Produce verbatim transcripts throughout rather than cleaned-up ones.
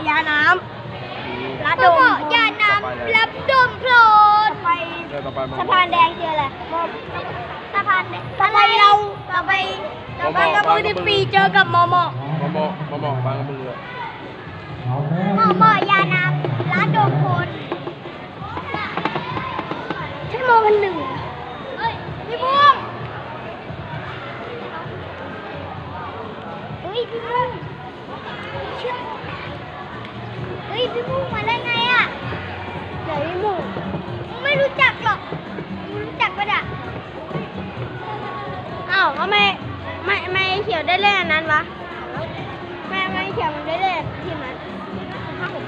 ยาน้ำระดมยาน้ำรับดมโพลนไปสะพานแดงเจออะไรสะพานต่อไปเราต่อไปต่อไปกระบือที่ปีเจอกับมอมอมอมอมอมอบางกระบือมอมอยาน้ำระดมโพลนใช่มอพันหนึ่งเฮ้ยพี่บุ้งเฮ้ยพี่บุ้งเฮ้ยพี่บุ้งมาได้ไงอ่ะเดี๋ยวพี่บุ้งไม่รู้จักหรอกรู้จักปะเนี่ยอ้าวทำไมไม่ไม่เขียวได้เล่นอันนั้นวะไม่ไม่เขียวมันได้เล่นทีมนั้นห้าหก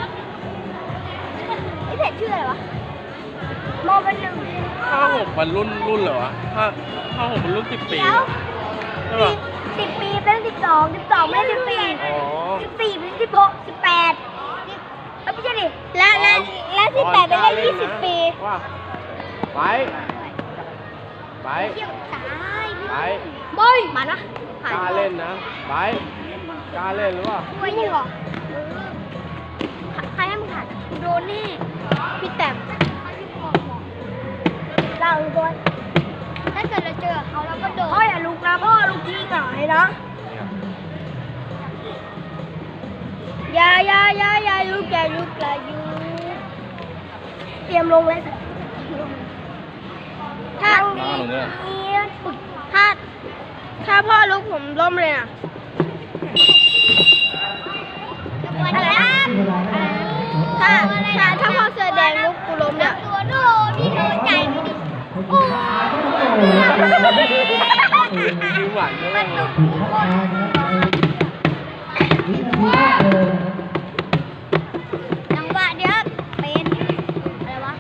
ไอ้เพจชื่ออะไรวะมอเป็นหนึ่งห้าหกมันรุ่นรุ่นเหรอวะห้าห้าหกมันรุ่นสิบปีใช่ป่ะสิบปีเป็นสิบสองสิบสองไม่สิบสี่สิบสี่เป็นสิบหกสิบแปดแล้วไม่ใช่ดิและและและสิบแปดเป็นเลขยี่สิบปีว่าไปไปไปบอยมานะกล้าเล่นนะไปกล้าเล่นหรือเปล่าไม่ยิงหรอใครให้มึงหัดโดนนี่พี่แต้มเราโดนถ้าเกิดเราเจอเขาเราก็โดนพ่ออย่าลุกนะพ่อลุกที่หงายนะอย่าอย่าอย่าอย่าลุกอย่าลุกอย่าลุกเตรียมลงเลยถ้าถ้าถ้าพ่อลุกผมล้มเลยนะถ้าถ้าถ้าพ่อเสื้อแดงลุกกูล้มเนี่ยตัวโน่พี่โน่ใจไม่ดีโอ้ดูหวานเลยจังหวะเดียวเป็นอะไรวะ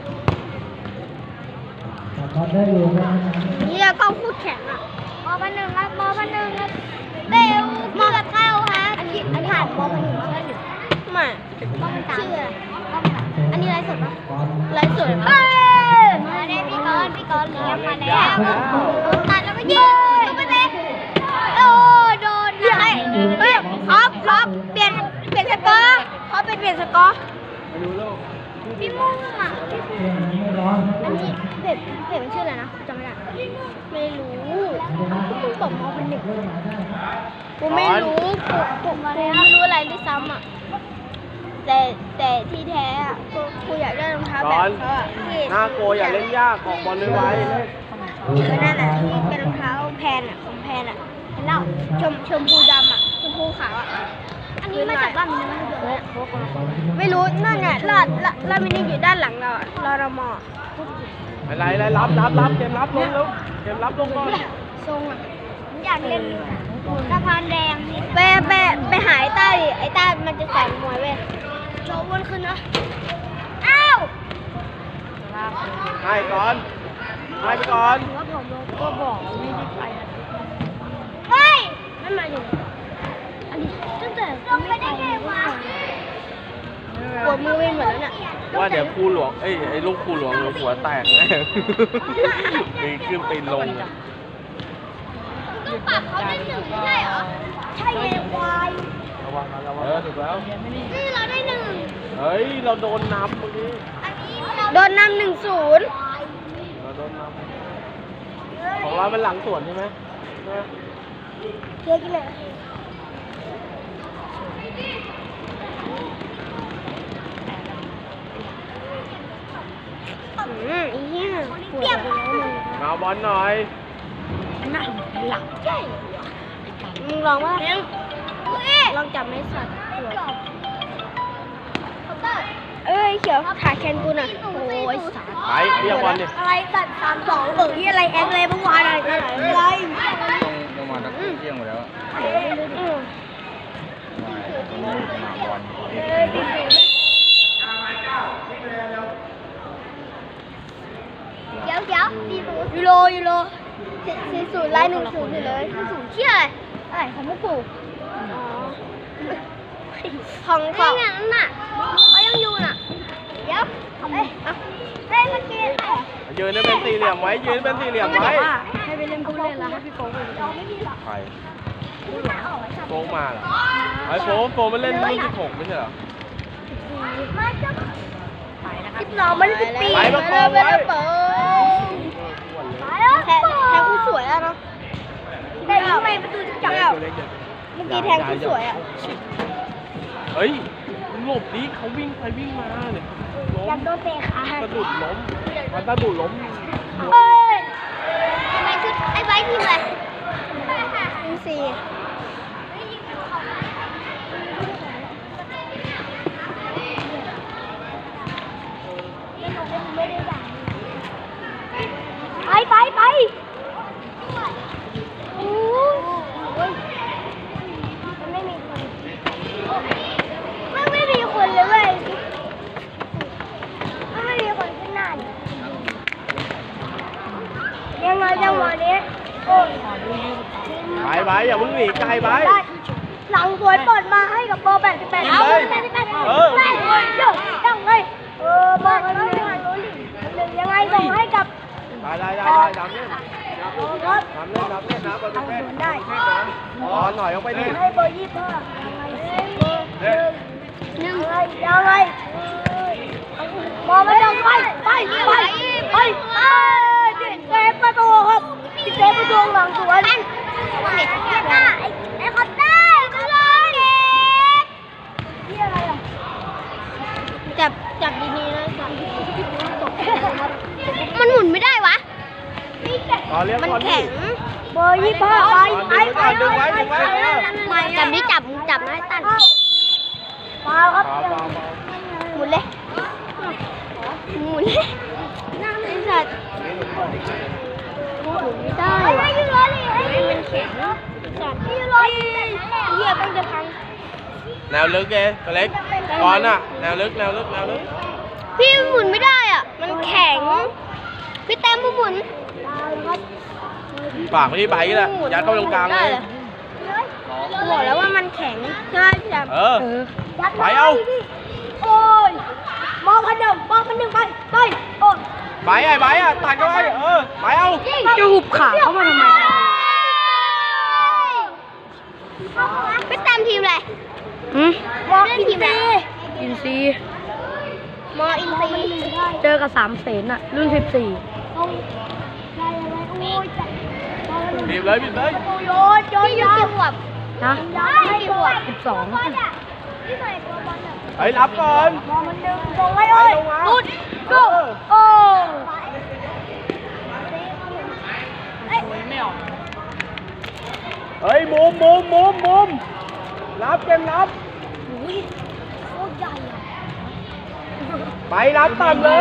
นี่เราก็พูดแข็งอ่ะมอพันหนึ่งครับมอพันหนึ่งครับเบลมอกับเข้าครับอันนี้อันนี้ผ่านมอพันหนึ่งมอพันหนึ่งไม่มอพันสามชื่ออะไรอันนี้ไลฟ์สดปะไลฟ์สดเอ้ยมาได้พี่กอนพี่กอนเลี้ยงมาแล้วตัดแล้วก็ยิงตุ๊กเต้โอ้โดนนะเฮ้ยเฮ้ยครบครบเปลี่ยนเปลี่ยนสกอร์เขาไปเปลี่ยนสกอร์พี่มุ่งอ่ะอันนี้เพจเพจมันชื่ออะไรนะจำไม่ได้ไม่รู้กูบอกมอเป็นหนึ่งกูไม่รู้กูกูไม่รู้อะไรด้วยซ้ำอ่ะแต่แต่ที่แท้อ่ะกูกูอยากได้รองเท้าแบบเขาอ่ะที่หน้าโกอย่าเล่นยากของบอลไว้ก็นั่นแหละที่เป็นรองเท้าแพนอ่ะของแพนอ่ะเห็นแล้วชมชมพูดำอ่ะชมพูขาวอ่ะอันนี้มาจากบ้านมินิมาเลยไม่รู้นั่นไงลาดลาดมินิอยู่ด้านหลังเรารอรมออะไรอะไรรับรับรับเกมรับลงแล้วเกมรับลงก่อนทรงอ่ะอยากเล่นสะพานแดงไปไปไปหาไอ้ต้าดิไอ้ต้ามันจะสอนมวยเว้ยโจวนขึ้นนะอ้าวให้ก่อนให้ไปก่อนว่าผมก็บอกไม่ได้ไปเฮ้ยนั่นมาอยู่อันนี้ตั้งแต่ลงไปได้ไงวะปวดมือไปหมดแล้วเนี่ยว่าเดี๋ยวครูหลวงเอ้ยไอ้ลูกครูหลวงหัวแตกแน่ปีขึ้นปีลงต้องปรับเขาได้หนึ่งใช่เหรอใช่ไงควายระวังนะระวังเออถูกแล้วนี่เราได้หนึ่งเฮ้ยเราโดนน้ำเมื่อกี้โดนน้ำหนึ่งศูนย์เราโดนน้ำของเราเป็นหลังสวนใช่ไหมใช่ไหมเจ๊กินเลยอืมอีเนี่ยปวดมาบอลหน่อยน่าหลับใช่มึงลองว่าลองจับไม้สัตว์เอ้ยเขียวขาแคนกูน่ะโอ้ยสัตว์ไปเรียกบอลดิอะไรสัตว์สามสองเออที่อะไรแอคเลยเมื่อวานอะไรอะไรลงมาตั้งเที่ยงหมดแล้วเดี๋ยวเดี๋ยวยูโรยูโรสี่ศูนย์ไล่หนึ่งศูนย์เลยหนึ่งศูนย์เชี่ยอะไรของพวกกูของของนี่นั่นน่ะเขายังอยู่น่ะเดี๋ยวเอ้ยเฮ้ยเมื่อกี้ยืนเป็นสี่เหลี่ยมไว้ยืนเป็นสี่เหลี่ยมไว้ให้ไปเล่นผู้เล่นแล้วให้พี่โป๊กไปใครโฟมมาเหรอไอ้โฟมโฟมมันเล่นรุ่นสิบหกไม่ใช่เหรอสิบสองมันสิบปีไปมาโฟมไว้แทงแทงคู่สวยอะเนาะได้ยิงไปประตูจะจับเมื่อกี้แทงคู่สวยอะเฮ้ยหลบดิเขาวิ่งไปวิ่งมาเนี่ยล้อยากมโดนเตะขาสะดุดล้มมันสะดุดล้มเฮ้ยทำไมชุดไอ้ไว้ทีมอะไรทีมสี่ไปไปไปโอ้ยมันไม่มีคนมันไม่มีคนเลยเว้ยมันไม่มีคนขึ้นหน้าเลยยังไงจังหวะนี้โอ้ยไปไปอย่ามึงหนีไกลไปหลังสวยเปิดมาให้กับเบอร์แปดสิบแปดเอาแปดสิบแปดเออเดี๋ยวยังไงเออเบอร์มันไม่หันรู้หลิหนึ่งยังไงส่งให้กับได้ได้ได้ได้ดำเนี่ยครับดำเนี่ยดำเนี่ยนะบอลทางแม่สวนได้อ๋อหน่อยเอาไปดิให้เบอร์ยี่สิบห้าเบอร์หนึ่งยังไงยังไงมองไม่ต้องไปไปไปไปไปเซฟประตูครับเซฟประตูหลังสวนไอ้ไอ้คอตเตอร์ไปเลยนี่อะไรอ่ะจับจับดีๆนะจับมันหมุนไม่ได้วะต่อเลี้ยงมันบอลดิแข็งเบอร์ยี่สิบห้าไปไปไปดึงไว้ดึงไว้เออจับนี่จับจับนะตันเปล่าครับเบาเบาเบาหมุนเลยหมุนเลยไอ้สัตว์หมุนไม่ได้ไม่ยืนรอเลยมันแข็งสัตว์ยืนรอเหี้ยต้องจะพังแนวลึกเองตัวเล็กก่อนอ่ะแนวลึกแนวลึกแนวลึกพี่หมุนไม่ได้อ่ะมันแข็งพี่แต้มผู้หมุนฝากไปที่ใบก็ได้ยัดเข้าตรงกลางเลยบอกแล้วว่ามันแข็งใช่ไหมเออไปเอาโอ้ยมองพันหนึ่งมองพันหนึ่งไปไปโอ้ยใบไอ้ใบอ่ะตัดเข้าไปเออไปเอาจะหุบขาเข้ามาทำไมไปตามทีมอะไรอืมมออินซีอินซีมออินซีเจอกับสามเสนอะรุ่นสิบสี่บีบเลยบีบเลยโยนโยนโยนกี่ขวบนะกี่ขวบสิบสองไปรับก่อนมองมันดึงส่งให้เอ้ยลุดลุดโอ้ไม่ออกเฮ้ยมุมมุมมุมมุมรับเกมรับอุ้ยโคตรใหญ่อะไปรับต่ำเลย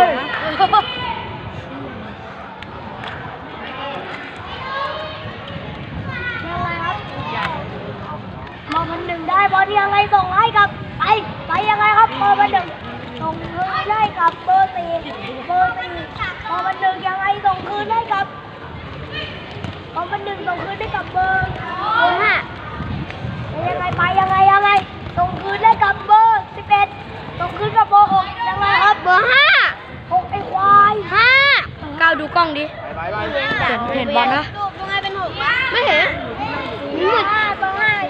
มองมันหนึ่งได้บอลยังไงส่งให้กับไปไปยังไงครับเบอร์มันหนึ่งส่งคืนได้กับเบอร์สี่เบอร์สี่บอลมันหนึ่งยังไงส่งคืนได้กับบอลมันหนึ่งส่งคืนได้กับเบอร์เบอร์ห้ายังไงไปยังไงยังไงส่งคืนได้กับเบอร์สิบเอ็ดส่งคืนกับเบอร์หกยังไงครับเบอร์ห้าหกไอ้ควายห้าก้าวดูกล้องดิไปไปไปเห็นบอลนะยังไงเป็นหกไม่เห็นมืดเบอร์ห้า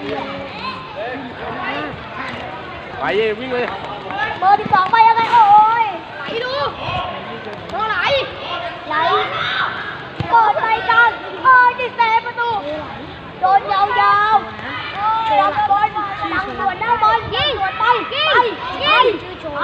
ไปวิ่งเลยเบอร์ที่สองไปยังไงโอ้ยไหลดูเบอร์ไหลไหลเปิดใจกันเอ้ยดิเซประตูโดนยาวๆจับบอลดังสวนได้บอลยิงสวนไปไปไปไป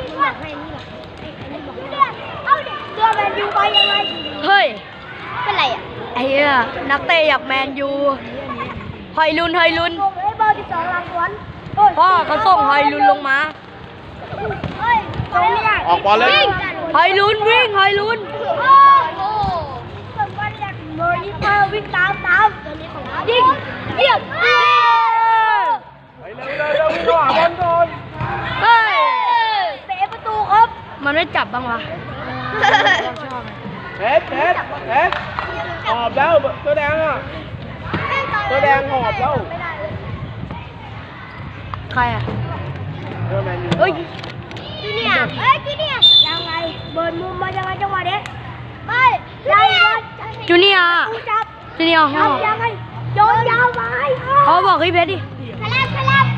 เอาดิเสื้อแมนยูไปยังไงเฮ้ยเป็นไรอ่ะไอ้เหี้ยนักเตะอยากแมนยูหอยลุนหอยลุนส่งให้เบอร์ที่สองหลังสวนพ่อเขาส่งหอยลุนลงมาเฮ้ยส่งไม่ได้ออกบอลเลยหอยลุนวิ่งหอยลุนโอ้โหเบอร์ยี่สิบห้าวิ่งตามตามยิงเยี่ยมไปเร็วเร็วเร็ววิ่งเข้าหาบอลก่อนเฮ้ยเตะประตูครับมันไม่จับบ้างวะเอ็ดเอ็ดเอ็ดหอบแล้วตัวแดงอ่ะตัวแดงหอบแล้วใครอ่ะเออแมนยูเฮ้ยจีเนียเฮ้ยจีเนียยังไงเบิร์นมุมมายังไงจังหวะนี้ไปยังไงจูเนียจูเนียห้องไโยนยาวไปเขาบอกให้เพชรดิคลับคลับ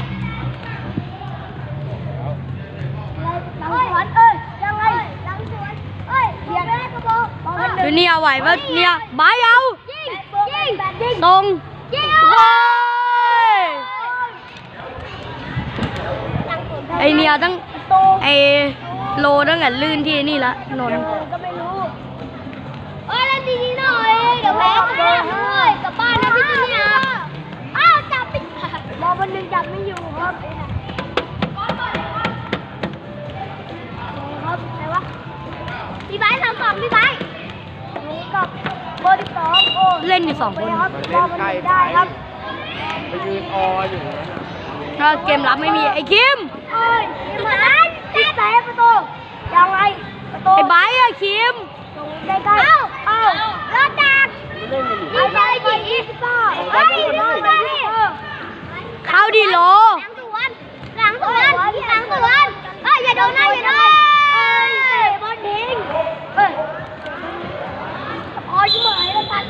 หลังสวนเอ้ยยังไงหลังสวนเอ้ยเบียดกระบอกดูเนี่ยไหวปะเนี่ยไม้เอายิงยิงยิงตรงยิงโอ้ยไอเนี่ยตั้งไอโลตั้งแต่ลื่นที่นี่ละนนท์ก็ไม่รู้เอ้ยเล่นดีๆหน่อยเดี๋ยวแพ้กลับบ้านเลยกลับบ้านนะพี่จีเนี่ยอ้าวจับไปบอลวันหนึ่งจับไม่อยู่ครับครับไหนวะพี่ไบร์ทสามสองพี่ไบร์ทนี่กับเบอร์สิบสองโอ้เล่นอยู่สองคนครับบอลมันไม่ได้ครับไปยืนอออยู่นะถ้าเกมรับไม่มีไอ้คิมเอ้ยนี่มันที่เซฟประตูยังไงประตูไอ้ไบร์ทอะคิมใกล้ๆเอ้าเอ้าเราจับไม่เล่นกันอยู่ไม่ได้ดิอีสปอร์ตเฮ้ยดูมาดิเข้าดีโลหลังสวนหลังสวนหลังสวนเอ้ยอย่าโดนนะอย่าโดนเอ้ยเตะบอลทิ้งเอ้ยพอชิบหายแล้วกัน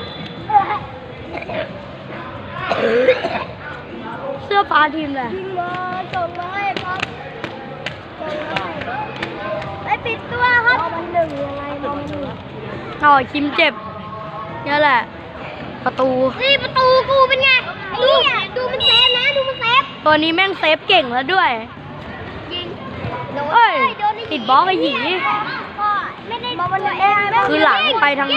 เอ้ยเสื้อฟ้าทีมเลยยิงมาส่งมาให้ครับส่งมาให้ไปปิดตัวครับมันหนึ่งยังไงมันหนึ่งอ๋อคิมเจ็บนี่แหละ ประตูนี่ประตูกูเป็นไงดูดูมันเซฟนะดูมันเซฟตัวนี้แม่งเซฟเก่งแล้วด้วยยิงเอ้ยติดบล็อกไอ้หยีไม่ได้คือหลังไปทาง